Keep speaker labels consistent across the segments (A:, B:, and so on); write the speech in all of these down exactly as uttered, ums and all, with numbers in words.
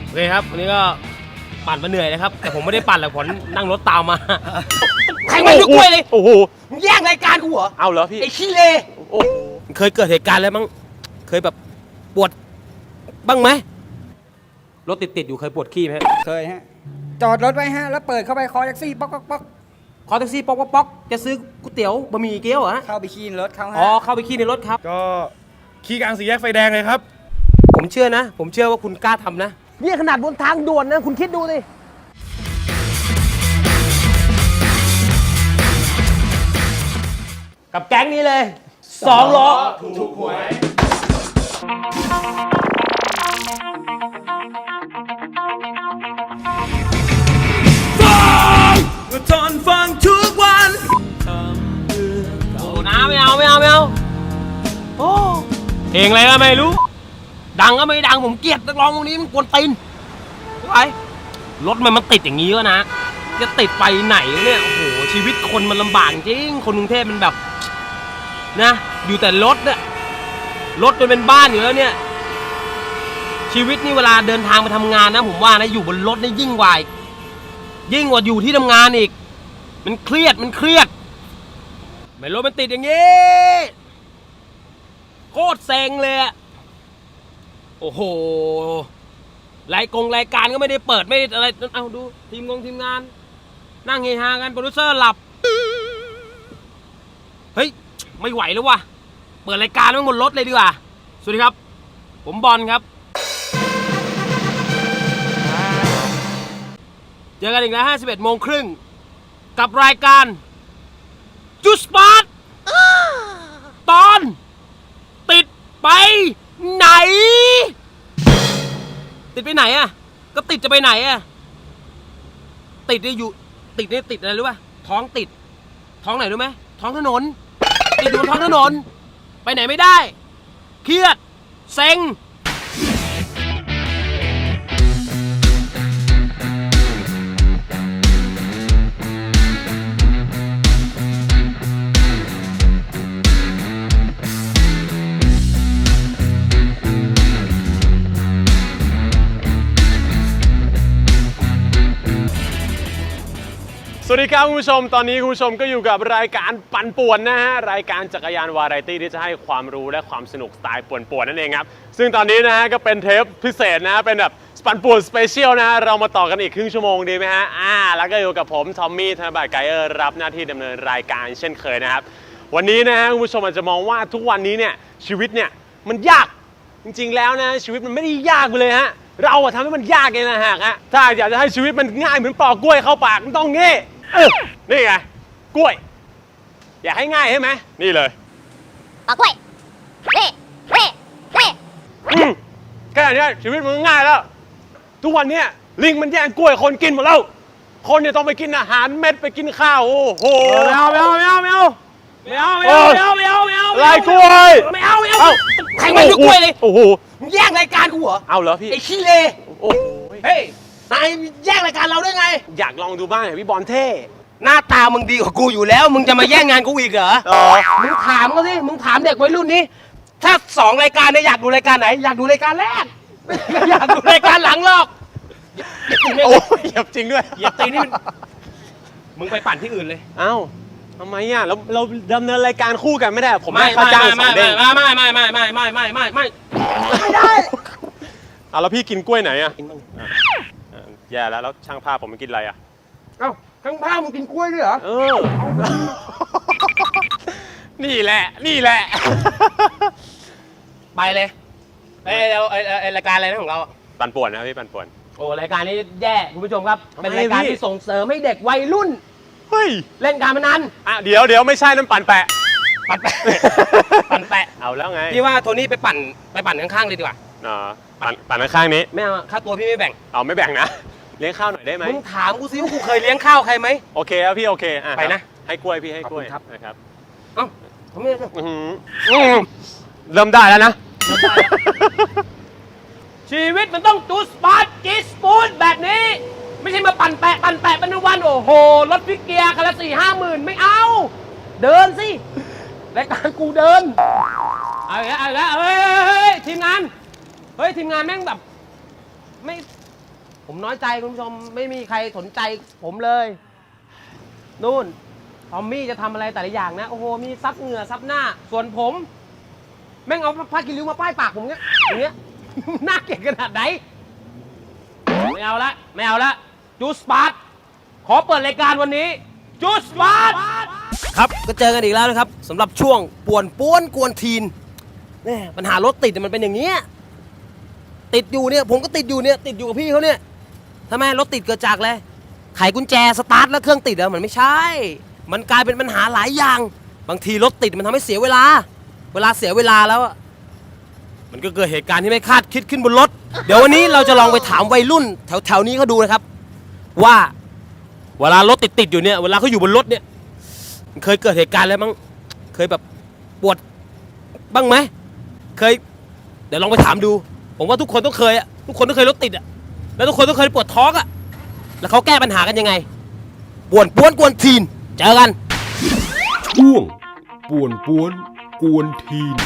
A: โอเคครับวันนี้ก็ปั่นมาเหนื่อยนะครับแต่ผมไม่ได้ปั่นหรอกผมนั่งรถตามมาแข่งมาด้วยกล้วยเลยโอ้โหแย่งรายการกูเหรอเอาเหรอพี่ไอ้ขี้เลโอ้เคยเกิดเหตุการณ์อะไรบ้างเคยแบบปวดบ้างไหมรถติดติดอยู่เคยปวดขี้ไหม
B: เคยฮะจอดรถไว้ฮะแล้วเปิดเข้าไปคอแท็กซี่ป๊อกป๊อกป๊อก
A: คอแท็กซี่ป๊อกป๊อกป๊อกจะซื้อก๋วยเตี๋ยวบะหมี่เกี๊ยวเหรอ
B: เข้าไปขี้ในรถเขาฮะ
A: อ๋อเข้าไปขี้ในรถครับ
C: ก็ขี้กลางสี่แยกไฟแดงเลยครับ
A: ผมเชื่อนะผมเชื่อว่าคุณกล้าทำนะนี่ขนาดบนทางด่วนนะคุณคิดดูสิกับแก๊งนี้เลยสองล้อถูกหวยทนฟังทุกวันโอ้น้าไม่เอาไม่เอาไม่เอาโอ้เพลงอะไรก็ไม่รู้ดังก็ไม่ดังผมเกลียดนักร้องพวกนี้มันกวนตีนไปรถมันมันติดอย่างนี้ก็นะจะติดไปไหนเนี่ยโอ้โหชีวิตคนมันลำบากจริงคนกรุงเทพมันแบบนะอยู่แต่รถเนี่ยรถจนเป็นบ้านอยู่แล้วเนี่ยชีวิตนี่เวลาเดินทางมาทำงานนะผมว่านะอยู่บนรถนี่ยิ่งกว่ายิ่งกว่าอยู่ที่ทำงานอีกมันเครียดมันเครียดไม่รถมันติดอย่างนี้โคตรเซ็งเลยโอ้โหรายกงรายการก็ไม่ได้เปิดไม่ได้อะไรเอาดูทีมงงทีมงานนั่งเฮฮากันโปรดิวเซอร์หลับเฮ้ยไม่ไหวแล้วว่ะเปิดรายการไว้บนรถเลยดีกว่าสวัสดีครับผมบอลครับเจอกันอีกแล้วห้าสิบเอ็ดโมงครึ่งกับรายการจุสปอร์ตตอนติดไปไหนติดไปไหนอ่ะก็ติดจะไปไหนอ่ะติดเนี่ยอยู่ติดเนี่ยติดอะไรรู้ป่ะท้องติดท้องไหนรู้ไหมท้องถนนติดอยู่บนท้องถนนไปไหนไม่ได้เครียดเซ็ง
C: สวัสดีครับคุณผู้ชมตอนนี้คุณผู้ชมก็อยู่กับรายการปั่นป่วนนะฮะรายการจักรยานวาไรตี้ที่จะให้ความรู้และความสนุกสไตล์ป่วนๆนั่นเองครับซึ่งตอนนี้นะฮะก็เป็นเทปพิเศษนะเป็นแบบปั่นป่วนสเปเชียลนะเรามาต่อกันอีกครึ่งชั่วโมงดีไหมฮะอ่าแล้วก็อยู่กับผมทอมมี่ธนบัตรไกเออร์รับหน้าที่ดำเนินรายการเช่นเคยนะครับวันนี้นะฮะคุณผู้ชมอาจจะมองว่าทุกวันนี้เนี่ยชีวิตเนี่ยมันยากจริงๆแล้วนะชีวิตมันไม่ได้ยากเลยฮะเราอะทำให้มันยากเองนะฮะถ้าอยากจะให้ชีวิตมันง่ายเหมือนปอกกล้วยเข้าปากมันต้องงี้นี่ไงกล้วยอยากให้ง่ายใช่ไหมนี่เลย
D: ปอกกล้วยเร่เร่เร่
C: แค่นี้ชีวิตมันง่ายแล้วทุกวันนี้ลิงมันแย่งกล้วยคนกินหมดแล้วคนเนี่ยต้องไปกินอาหารเม็ดไปกินข้าวโอ้โห
A: ไม่เอาไม่เอาไม่เอาไม่เอาไม่เอาไม่เอาไม่เอาไม่เอาไม่เอา
C: ลายกล้วย
A: ไม่เอาไม่เอาแข่งมาด้วยกล้วยเลย
C: โอ้โห
A: แย่งรายการกูเหรอ
C: เอาเหรอพี่
A: ไอ้ขี้เลโอ้เฮ้ยนายแย่งรายการเราได้ไง
C: อยากลองดูบ้างพี่บอลเท่
A: หน้าตามึงดีกว่ากูอยู่แล้วมึงจะมาแย่งงานกูอีกเหรออ๋อมึงถามเขาสิมึงถามเด็กวัยรุ่นนี้ถ้าสองรายการเนี่ยอยากดูรายการไหนอยากดูรายการแรกอยากดูรายการหลังหรอก
C: โอ้ยเหยียบจริงด้วย
A: เหยียบตีนี่มึงไปปั่นที่อื่นเลย
C: เอ้าทำไมอ่ะเราเราดำเนินรายการคู่กันไม่ได้ผม
A: ไม่
C: ค่าจ้างสองเด้ง
A: ไม่ไม่ไม่ไม่ไม่ไม่ไม่ไม่ไม่ไม่ได้
C: อ่ะแล้วพี่กินกล้วยไหนอ่ะแย่แล้วแล้วช่างภาพผมมันกินอะไรอ่ะ
A: เอ้าข้างบ้านมึงกินกล้วยด้วยเหรอ
C: เออนี่แหละนี่แหละ
A: ไปเลยไอ้เราไอ้ไอ้รายการอะไรนะของเรา
C: ปั่นป่วนนะพี่ปั่นป่วน
A: โอ้รายการนี้แย่คุณผู้ชมครับเป็นรายการที่ส่งเสริมให้เด็กวัยรุ่น
C: เฮ้ย
A: เล่นการพนัน
C: อ่ะเดี๋ยวเดี๋ยวไม่ใช่นั่นปั่นแปะ
A: ปั่นแปะปั่นแปะ
C: เอาแล้วไง
A: พี่ว่าโทนี่ไปปั่นไปปั่นข้างๆเลยดีกว่า
C: อ๋อปั่นปั่นข้างนี้
A: ไม่เอาค่าตัวพี่ไม่แบ่ง
C: เอาไม่แบ่งนะเลี้ยงข้าวหน่อยได้ไหม
A: มึงถามกูซิว่ากูเคยเลี้ยงข้าวใครไหม
C: โอเคครับพี่โอเคอ่ะ
A: ไปนะ
C: ให้กล้วยพี่ให้กล้วยนะครับ
A: เอ้าทำไม
C: เริ่มได้แล้วนะ
A: ชีวิตมันต้องจูสปาร์ตจีสปูนแบบนี้ไม่ใช่มาปั่นแปะปั่นแปะเป็นวันโอ้โหรถฟิกเกียร์คันละสี่ห้าหมื่นไม่เอาเดินสิรายการกูเดินเอาอีกแล้วเอาอีกแล้วเฮ้ยทีมงานเฮ้ยทีมงานแม่งแบบไม่ผมน้อยใจคุณผู้ชมไม่มีใครสนใจผมเลยนู่นทอมมี่จะทำอะไรแต่ละอย่างนะโอ้โหมีซับเหงื่อซับหน้าส่วนผมแม่งเอาผ้ากินริ้วมาป้ายปากผมเนี้ยอย่างเงี้ย น่าเกลียดขนาดไหนไม่เอาละไม่เอาละจูสปาร์ตขอเปิดรายการวันนี้จูสปาร์ตครับก็เจอกันอีกแล้วนะครับสำหรับช่วงป่วนป้วนกวนทีนเนี่ยปัญหารถติดมันเป็นอย่างเนี้ยติดอยู่เนี่ยผมก็ติดอยู่เนี่ยติดอยู่กับพี่เขาเนี่ยทำไมรถติดเกิดจากอะไรไขกุญแจสตาร์ทแล้วเครื่องติดอะมันไม่ใช่มันกลายเป็นปัญหาหลายอย่างบางทีรถติดมันทำให้เสียเวลาเวลาเสียเวลาแล้วอะมันก็เกิดเหตุการณ์ที่ไม่คาดคิดขึ้นบนรถเดี๋ยววันนี้เราจะลองไปถามวัยรุ่นแถวแถวนี้เขาดูนะครับว่าเวลารถติดติดอยู่เนี่ยเวลาเขาอยู่บนรถเนี่ยเคยเกิดเหตุการณ์อะไรบ้างเคยแบบปวดบ้างไหมเคยเดี๋ยวลองไปถามดูผมว่าทุกคนต้องเคยอะทุกคนต้องเคยรถติดอะแล้วทุกคนต้องเคยปวดท้องอะแล้วเขาแก้ปัญหากันยังไงป่วนป้วนกวนทีนเจอกันช่วงป่วนป้วนกวนทีน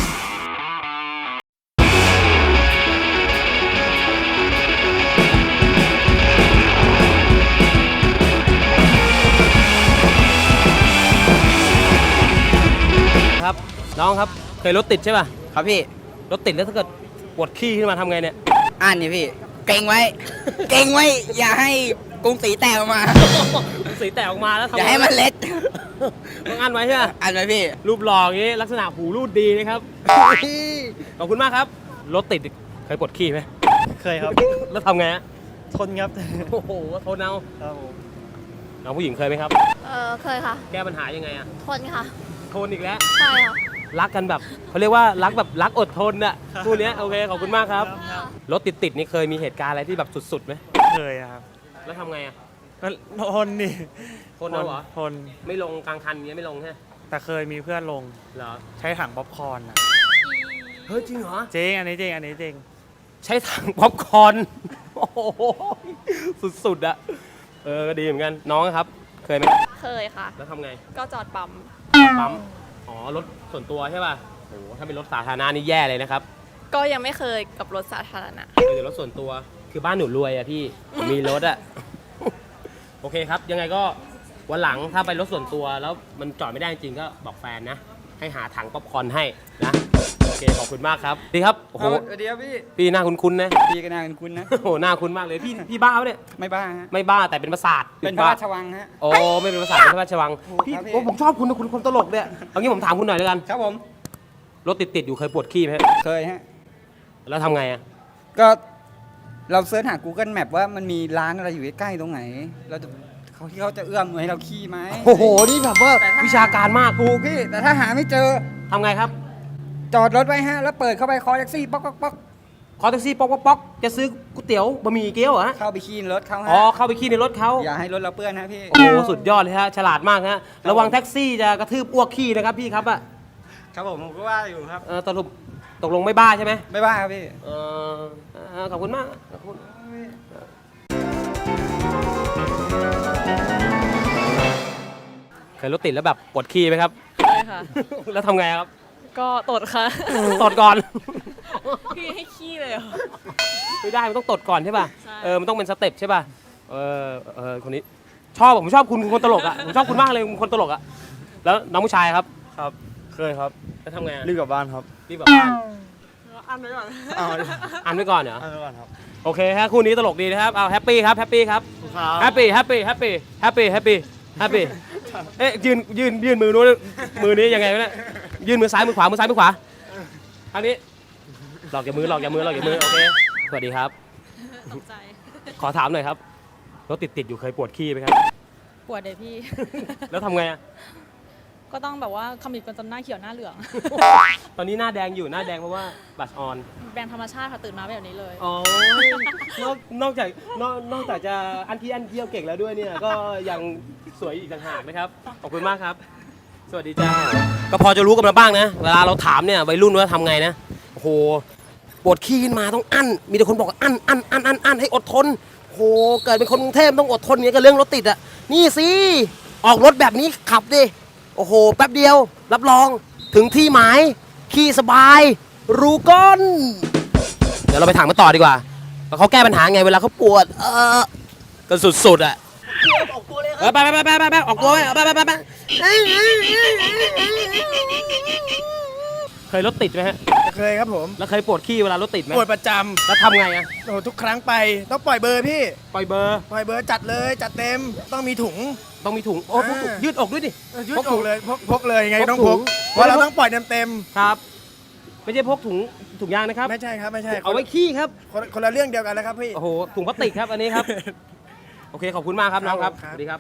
A: ครับน้องครับเคยรถติดใช่ป่ะ
B: ครับพี่
A: รถติดแล้วถ้าเกิดปวดขี้ขึ้นมาทำไงเนี่ย
B: อ่านนี่พี่ เก่งไว้ เก่งไว้ อย่าให้กรุงศรีแตกออกมา
A: สีแตกออกมาแล้วทำ
B: อย่าให้มันเล็ด
A: ต้องอันไว้ใช่ไหม
B: อ่านไว้พี่
A: รูปหล่ออย่างนี้ลักษณะหูรูดดีนะครับ ขอบคุณมากครับ รถติดเคยปวดขี้ไหม
E: เคยครับ
A: แล้วทำไงฮะ
E: ทนครับ
A: โอ้โหทนเอา
E: ครับผม
A: น้องผู้หญิงเคยไหมครับ
D: เออเคยค่ะ
A: แก้ปัญหายังไงอะ
D: ทนค่ะ
A: ทนอีกแล้ว
D: ใช่ค่ะ
A: รักกันแบบเขาเรียกว่ารักแบบรักอดทนน่ะคู่เนี้ยโอเคขอบคุณมากครับ รถติดติดๆนี่เคยมีเหตุการณ์อะไรที่แบบสุดๆไหม
E: เคยครับ
A: แล้วทำไงอะ
E: ก็ทนดิ
A: ทนเอาเหรอ
E: ทน
A: ไม่ลงกลางคันเงี้ยไม่ลงใช่ไหม
E: แต่เคยมีเพื่อนลง
A: เหรอ
E: ใช้ถังป๊อปคอร์นอะ
A: เฮ้ยจริงเหรอ
E: เจ๊งอันนี้เจ๊งอันนี้เจ๊ง
A: ใช้ถังป๊อปคอร์นโอ้โหสุดๆอะเออก็ดีเหมือนกันน้องครับ เคยไหม
F: เคยค่ะ
A: แล้วทำไง
F: ก็จอดปั๊ม
A: ปั๊มอ๋อรถส่วนตัวใช่ป่ะโอ้โหถ้าเป็นรถสาธารณะนี่แย่เลยนะครับ
F: ก็ยังไม่เคยกับรถสาธารณะ
A: เดี๋ยวรถส่วนตัวคือบ้านหนูรวยอะพี่ผมมีรถอะ โอเคครับ ยังไงก็วันหลังถ้าไปรถส่วนตัวแล้วมันจอดไม่ได้จริงก็บอกแฟนนะ ให้หาถังป๊อปคอร์นให้นะโอเคขอบคุณมากครับดีครับโอ้โห
B: สวัสดีครับพี่
A: พี่หน้าคุ้นๆนะ
B: พี่ก็น่าเป็นคุณนะ
A: โอ้โหหน้าคุ้นมากเลยพี่พี่บ้าปะเนี่ย
B: ไม่บ้าฮะ
A: ไม่บ้าแต่เป็นประสาท
B: เป็นพระราชวังฮะ
A: โอ้ไม่เป็นประสาทเป็นพระราชวังพี่
B: ครับพี่
A: โอ้ผมชอบคุณนะคุณคนตลกเนี่ยเอางี้ผมถามคุณหน่อยเลยกัน
B: ครับผม
A: รถติดๆอยู่เคยปวดขี้ไหม
B: เคยฮะ
A: แล้วทำไงอะ
B: ก็เราเสิร์ชหา Google Map ว่ามันมีร้านอะไรอยู่ใกล้ๆตรงไหน เราจะเขาที่เขาจะเอื้อมให้เราขี้ไหม
A: โอ้โหนี่แบบว่า
B: แต่ถ้า
A: วิชาการมาก
B: ถูกพี่ แต่ถ้าหาไม่เจอ
A: ทำไงครับ
B: จอดรถไว้ฮะ แล้วเปิดเข้าไปคอแท็กซี่ป๊อกป๊อกป๊อก
A: ขอแท็กซี่ป๊อกป๊อกป๊อกจะซื้อก๋วยเตี๋ยวบะหมี่เกี๊ยวเหรอฮะ
B: เข้าไปขี้ในรถเขาฮะ
A: อ๋อเข้าไปขี้ในรถเขา
B: อย่าให้รถเราเปื้อนนะพี่
A: โอ้โหสุดยอดเลยฮะฉลาดมากฮะระวังแท็กซี่จะกระทืบอ้วกขี้นะครับพี่ครับอะ
B: ครับผมผมก็ว่าอยู่ครับ
A: เออสรุปตกลงไม่บ้าใช่ไหม
B: ไม่บ้าครับพี่
A: เออเออขอบคุณมากขอบคุณเคยรถติดแล้วแบบปวดขี้ไหมครับ
F: เคยค่ะ
A: แล้วทำไงครับ
F: ก็ตดค่ะ
A: ตดก่อน
F: พี่ให้ขี้เลยเหรอ
A: ไม่ได้มันต้องตดก่อนใช่ป่ะ
F: ใช่
A: เออมันต้องเป็นสเต็ปใช่ป่ะเออเออคนนี้ชอบผมชอบคุณคุณคนตลกอ่ะผมชอบคุณมากเลยคุณคนตลกอ่ะแล้วน้องผู้ชายครับ
E: ครับ เคยครับ
A: แล้วทำไงอะ
E: รีบกลับบ้านครับ
A: รีบแบบบ้าน
F: อันไว้ก่อน
E: เอา
A: อ่านไว้ก่อนเหรอ
E: เอาไปก่อนครับ
A: โอเคฮะคู่นี้ตลกดีนะครับเอาแฮปปี้ครับแฮปปี้ครับแฮปปี้แฮปปี้แฮปปี้แฮปปี้แฮปปี้แฮปปี้เอ๊ะยืนยืนยืนมือนู้นมือนี้ยังไงวะเนี่ยยืนมือซ้ายมือขวามือซ้ายมือขวาทางนี้หลอกอย่ามือหลอกอย่ามือหลอกอย่ามือโอเคสวัสดีครับ
F: ตกใจ
A: ขอถามหน่อยครับรถติดติดๆอยู่เคยปวดขี้ไหมครับ
F: ปวดเลยพี่
A: แล้วทำไงอะ
F: ก็ต้องแบบว่าขมิบกันจนหน้าเขียวหน้าเหลือง
A: ตอนนี้หน้าแดงอยู่หน้าแดงเพราะว่าบัตรออน
F: แบรนด์ธรรมชาติค่ะตื่นมาแบบนี้เลย
A: อ๋อ นอกนอกจากนอกนอกจากจะอันที่อันเที่ยวเก่งแล้วด้วยเนี่ย ก็ยังสวยอีกต่างหากนะครับ ขอบคุณมากครับ สวัสดีจ้า ก็พอจะรู้กันมาบ้างนะ เวลาเราถามเนี่ยวัยรุ่นว่าทำไงนะ โอ้โห ปวดขี้ขึ้นมาต้องอั้น มีแต่คนบอกว่าอั้นอั้นอั้นอั้นอั้นให้อดทน โอ้โห เกิดเป็นคนกรุงเทพต้องอดทนเนี่ยกับเรื่องรถติดอ่ะ นี่สิ ออกรถแบบนี้ขับดิ โอ้โห แป๊บเดียว รับรอง ถึงที่หมาย ขี่สบาย รู้ก้น เดี๋ยวเราไปถามมาต่อดีกว่าแล้วเขาแก้ปัญหาไงเวลาเขาปวด เออก็สุดๆอ่ะเออไปไปไปไปไปออกตัวไปไปไปไปไปเคยรถติดไหมฮะ
G: เคยครับผม
A: แล้วเคยปวดขี้เวลารถติดไหม
G: ปวดประจ
A: แล้วทำไงอ่ะ
G: ำโอ้โหทุกครั้งไปต้องปล่อยเบอร์พี่
A: ปล่อยเบอร์
G: ปล่อยเบอร์จัดเลยจัดเต็มต้องมีถุง
A: ต้องมีถุงโอ้พกถุง
G: อ่ายื
A: ยืดอกด้วยดิ
G: เออยืด
A: พกถุ
G: อง กเลยพกพกเลยยังไง
A: พก
G: ต้อง
A: ถุ
G: พ
A: ง
G: กเพราะเราต้องปล่อยเต็มเต็ม
A: ครับ ไม่ใช่พกถุงถุงยางนะครับ
G: ๆไม่ใช่ครับไม่ใช่
A: เอาไว้ขี้ครับ
G: คนคนละเรื่องเดียวกันแล้วครับพี่
A: โอ้โหถุงพลาสติกครับอันนี้ครับ โอเคขอบคุณมากครับน้องครับสวัสดีครับ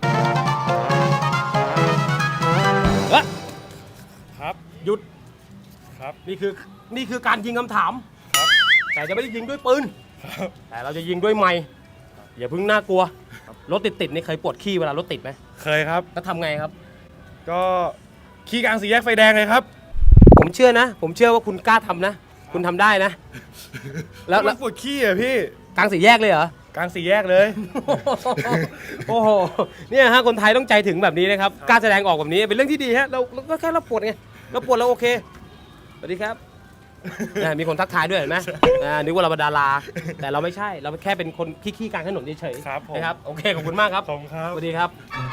A: เอ้ย
E: ครับ
A: หยุด
E: ครับ
A: นี่คือนี่คือการยิงคำถาม แต่จะไม่ได้ยิงด้วยปืน แต่เราจะยิงด้วยไม้อย่าเพิ่งน่ากลัว รถติดติดๆนี่เคยปวดขี้เวลารถติดไหม
E: เคยครับ
A: แล้วทำไงครับ
E: ก็ขี่กลางสี่แยกไฟแดงเลยครับ
A: ผมเชื่อนะ ผมเชื่อว่าคุณกล้าทำนะ คุณทำได้นะ แล้ว
E: มั
A: แล้ว
E: นปวดขี้อ่ะพี่
A: กลางสี่แยกเลยเหรอ
E: กลางสี่แยกเลย
A: โอ้โห เนี่ยฮะคนไทยต้องใจถึงแบบนี้นะครับ กล้าแสดงออกแบบนี้เป็นเรื่องที่ดีฮะ เราเราก็แค่เราปวดไง เราปวดเราโอเค สวัสดีครับอ่ามีคนทักทายด้วยเห็นไหมอ่านึกว่าเราเป็นดารา แต่เราไม่ใช่ เราแค่เป็นคนขี้ๆกลางถนนเฉย
E: ครับผม
A: ๆนะครับ โอเค ขอบคุณมากครับ
E: ผมครับ
A: สวัสดีครับ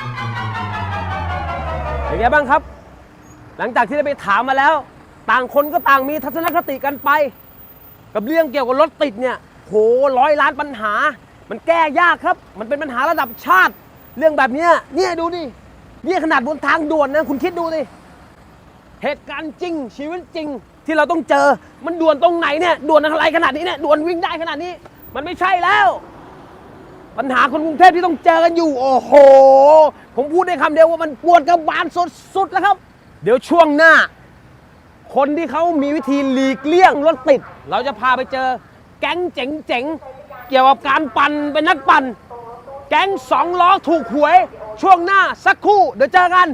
A: เป็นไงบ้างครับ หลังจากที่ได้ไปถามมาแล้ว ต่างคนก็ต่างมีทัศนคติกันไป กับเรื่องเกี่ยวกับรถติดเนี่ย โหร้อยล้านปัญหา มันแก้ยากครับ มันเป็นปัญหาระดับชาติ เรื่องแบบเนี้ยเนี่ยดูดิเนี่ยขนาดบนทางด่วนนะคุณคิดดูดิเหตุการณ์จริงชีวิตจริงที่เราต้องเจอ มันด่วนตรงไหนเนี่ยด่วนอะไรขนาดนี้เนี่ยด่วนวิ่งได้ขนาดนี้ มันไม่ใช่แล้ว ปัญหาคนกรุงเทพที่ต้องเจอกันอยู่ โอ้โห ผมพูดได้คำเดียวว่ามันปวดกระบาลสุดๆแล้วครับ เดี๋ยวช่วงหน้า คนที่เขามีวิธีหลีกเลี่ยงรถติด เราจะพาไปเจอแก๊งเจ๋งๆ เกี่ยวกับการปั่นเป็นนักปั่น แก๊งสองล้อถูกหวย ช่วงหน้าสักครู่เดี๋ยวเจอกัน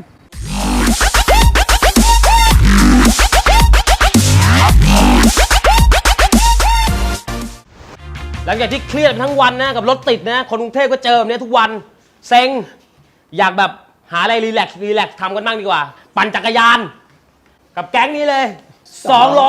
A: หลังจากที่เครียดทั้งวันนะกับรถติดนะคนกรุงเทพก็เจอแบบนี้ทุกวันเซ็งอยากแบบหาอะไรรีแลกซ์รีแลกซ์ทำกันบ้างดีกว่า ปั่นจักรยาน กับแก๊งนี้เลยสองล้อ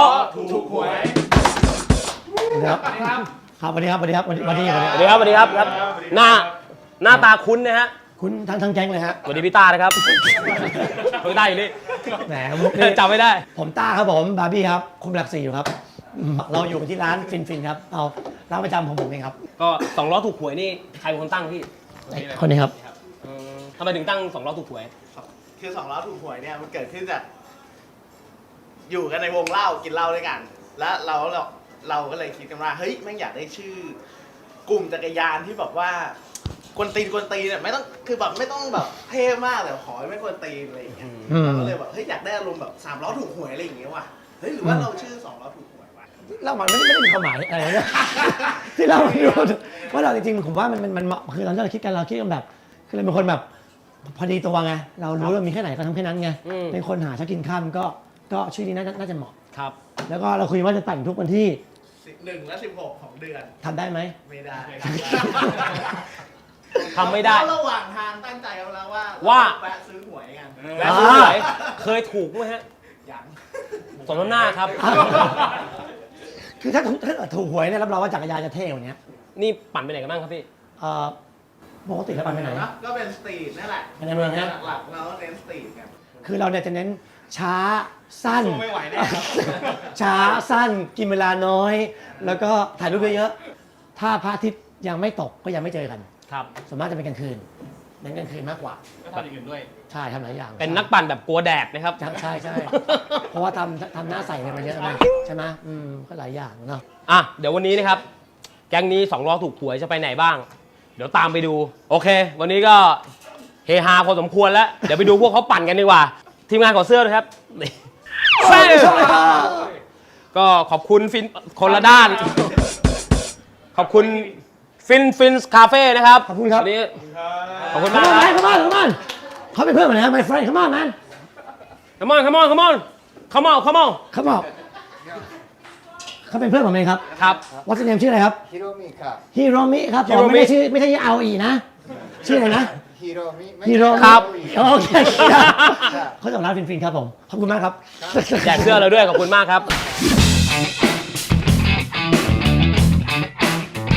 H: ครับครับสวัสดีครับสวัสดีครับสวัสดีสวัสดี
A: สวัสดีครับสวัสดีครับครับหน้าหน้าตาคุ้นนะฮะ
H: คุณทั้งทั้งแก๊งเลยฮะ
A: สวัสดีพี่ต้านะครับพี่ต้าอยู่นี่
H: แหมมุกนี่
A: จำไม่ได้
H: ผมต้าครับผมบาร์บี้ครับคุมหลักสี่อยู่ครับอืมเราอยู่ที่ร้านฟินฟินครับเอาร้านประจำของผมเองครับ
A: ก็สองล้อถูกหวยนี่ใครเป็นคนตั้งพี่
H: คนนี้ครับ
A: ทำไมถึงตั้งสองล้อถูกหวย
I: คือสองล้อถูกหวยเนี่ยมันเกิดขึ้นจากอยู่กันในวงเล่ากินเหล้าด้วยกัน แล้วเราเราเราก็เลยคิดกันว่าเฮ้ยแม่งอยากได้ชื่อกลุ่มจักรยานที่แบบว่ากวนตีนกวนตีนเนี่ยไม่ต้องคือแบบไม่ต้องแบบเท่มากแต่ขอให้ไม่กวนตีนอะไรอย่างเงี้ย
H: อืม
I: เราก็เลยแบบเฮ้ยอยากได้อารมณ์แบบสามล้อถูกหวยอะไรอย่างเงี้ยว่ะเฮ้ยหรือว่าเราชื่อสองล้อถูกหวยวะ
H: เล่ามันไม่ได้ไม่ได้มีความหมายอะไรนะ ที่เราดูว่าเราจริงๆผมว่ามันมันมันเหมาะคือตอนที่เราคิดกันเราคิดกันแบบคือเราเป็นคนแบบพอดีตัวไงเรารู้ว่ามีแค่ไหนก็ทำแค่นั้นไง
A: อืม
H: เป็นคนหาเช้ากินข้ามก็ก็ชื่อนี้น่าจะน่าจะเหมาะ
A: ครับ
H: แล้วก็เราคุยว่าจะแต่งทุกวันที่
I: สิบหนึ่งและสิบหกของเดือน
H: ทำได้ไหม
I: ไม่ได้
A: ทำไม่ได้
I: เพราะระหว่างทางตั้งใจเอาแล้วว่า
A: ว่า
I: แวะซื้อหวยกัน
A: แล้วซื้อหวยเคยถูกไหมฮะ
I: อย่าง
A: สมน้ำหน้าครับ
H: คือถ้าถ้าเกิดถูกหวยเนี่ยรับรองว่าจักรยานจะเท่กว่านี้
A: นี่ปั่นไปไหนกันบ้างครับพี่
H: เอ่อปกติแล้วไปไหน
I: นะก็เป็นสตรีทนั่นแหละ
H: ไปในเมืองนะ
I: หลักๆเราก็เน้นสตรีทกัน
H: คือเราเนี่ยจะเน้นช้าสั้น
I: สู้ไม่ไหวแน่ครับ
H: ช้าสั้นกินเวลาน้อย แล้วก็ถ่ายรูปเยอะๆถ้าพระอาทิตย์ยังไม่ตกก็ยังไม่เจอกัน
A: ครับ
H: ส่วนมากจะเป็นกลางคืนเน้นกลางคืนมากกว่า
A: ก็ทำอย่างอื่นด้วย
H: ใช่ทำหลายอย่าง
A: เป็นนักปั่นแบบกลัวแดดนะครับ
H: ใช่ใช่ใช่ เพราะว่าทำทำหน้าใสกันมาเยอะนะใช่ไหมอืมก็หลายอย่างเนาะ
A: อ่ะ เดี๋ยววันนี้นะครับ แก๊งนี้สองล้อถูกหวยจะไปไหนบ้าง เดี๋ยวตามไปดู โอเค วันนี้ก็เฮฮาพอสมควรแล้ว เดี๋ยวไปดูพวกเขาปั่นกันดีกว่า ทีมงานขอเสื้อด้วยครับนี่เสื้อก็ขอบคุณฟินคนละด้าน ขอบคุณฟินฟินคาเฟ่นะครับ
H: ขอบคุณครับ
A: วันนี้ขอบคุณ
H: ข
A: มาก
H: ม
A: ค
H: อน
A: รับ
H: ขมอนขมอนเขาเป็นเพื่อนกันนะ my friend come on man
A: Come on come on come on come on come on
H: come on เขาเป็นเพื่อนผมเองครับ
A: ครับ
H: what's your name ชื่ออะไรครับ
B: ฮิโรมิครับ
H: ฮิโรมิครับผม
A: Hiromi
H: ไม่ได้ชื่อไม่ใช่เอาอีนะ ชื่ออะไรนะ
B: ฮิโรมิ
H: ฮิโรมิ
A: ครับ
H: โอเคเขาจากร้านฟินฟินครับผม ขอบคุณมากครับ
A: แจกเสื้อเราด้วย ขอบคุณมากครับ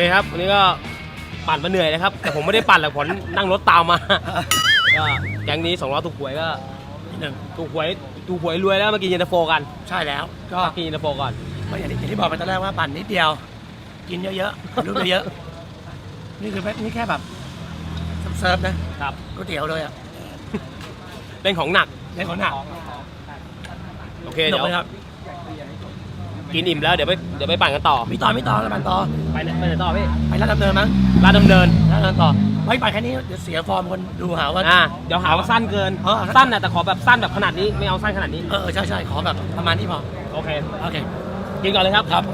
A: ครับวันนี้ก็ปั่นมาเหนื่อยนะครับ แต่ผมไม่ได้ปั่นหรอกผมนั่งรถตามมา ก็แก๊งนี้สองล้อถูกหวยก็
H: หนึ่ง
A: ถูกหวยถูกหวยรวยแล้วมากินเย็นตาโฟกัน
H: ใช่แล้วก็
A: มากินเย็นตาโฟก่อน
H: ก็อย่างที่อย่างที่บอกไปตอนแรกว่าปั่นนิดเดียว กินเยอะๆรู้เยอะๆนี่คือแค่นี่แค่แบบเซิร์ฟนะครับ ก๋วยเตี๋ยวเลยอ่ะ
A: เป็นของหนัก
H: เล่นของหนัก
A: โอเคเดี๋ยว
H: หนักไหมครับ
A: กินอิ่มแล้วเดี๋ยวไปเดี๋ยวไปปั่นกันต่อ
H: มีต่อมีต่อแล้วปั่นต่อ
A: ไปไหนไปไหนต่อพี่
H: ไปร้านดำเนินมั้ง
A: ลาดดำเนิน
H: ร้านดำเนินต่อไม่ปั่นแค่นี้เดี๋ยวเสียฟอร์มคนดูหาว่า
A: อ่าเดี๋ยวหาว่าสั้นเกิน
H: เออ
A: สั้นนะแต่ขอแบบสั้นแบบขนาดนี้ไม่เอาสั้นขนาดนี้
H: เออใช่ใช่ขอแบบประมาณนี้พอ
A: โอเค
H: โอเค
A: กินก่อนเลยครับ
H: ครับ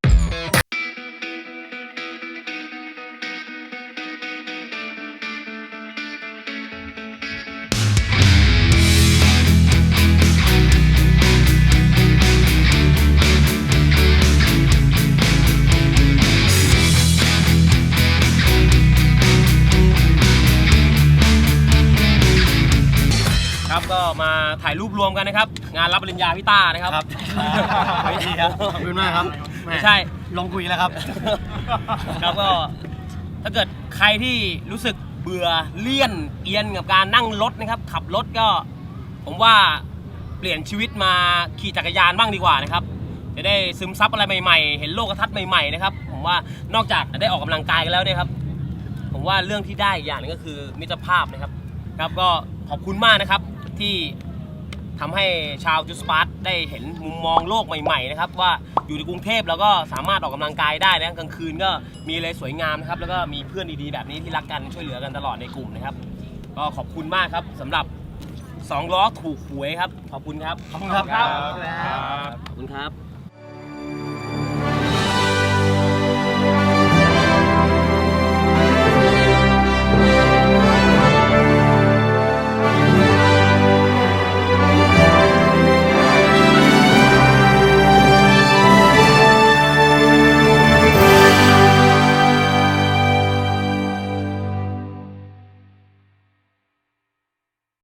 A: ครับก็มาถ่ายรูปรวมกันนะครับ งานรับปริญญาพี่ต้านะครับ
H: ครับ
A: ไม่ดีครับ
H: ขอบคุณมากครับ
A: ไม่ใช่
H: ลงคุยแล้วครับ
A: ครับก็ถ้าเกิดใครที่รู้สึกเบื่อเลี่ยนเอียนกับการนั่งรถนะครับ ขับรถก็ผมว่าเปลี่ยนชีวิตมาขี่จักรยานบ้างดีกว่านะครับจะได้ซึมซับอะไรใหม่ๆ เห็นโลกทัศน์ใหม่ๆนะครับผมว่านอกจากได้ออกกำลังกายกันแล้วเนี่ยครับผมว่าเรื่องที่ได้อีกอย่างหนึงก็คือมิตรภาพนะครับครับก็ขอบคุณมากนะครับที่ทำให้ชาวจูสปาร์ตได้เห็นมุมมองโลกใหม่ๆนะครับว่าอยู่ในกรุงเทพแล้วก็สามารถออกกำลังกายได้นะกลางคืนก็มีอะไรสวยงามนะครับแล้วก็มีเพื่อนดีๆแบบนี้ที่รักกันช่วยเหลือกันตลอดในกลุ่มนะครับก็ขอบคุณมากครับสำหรับสองล้อถูกหวยครับขอบคุณครับ
H: ขอบคุณครับ
A: ขอบคุณครับ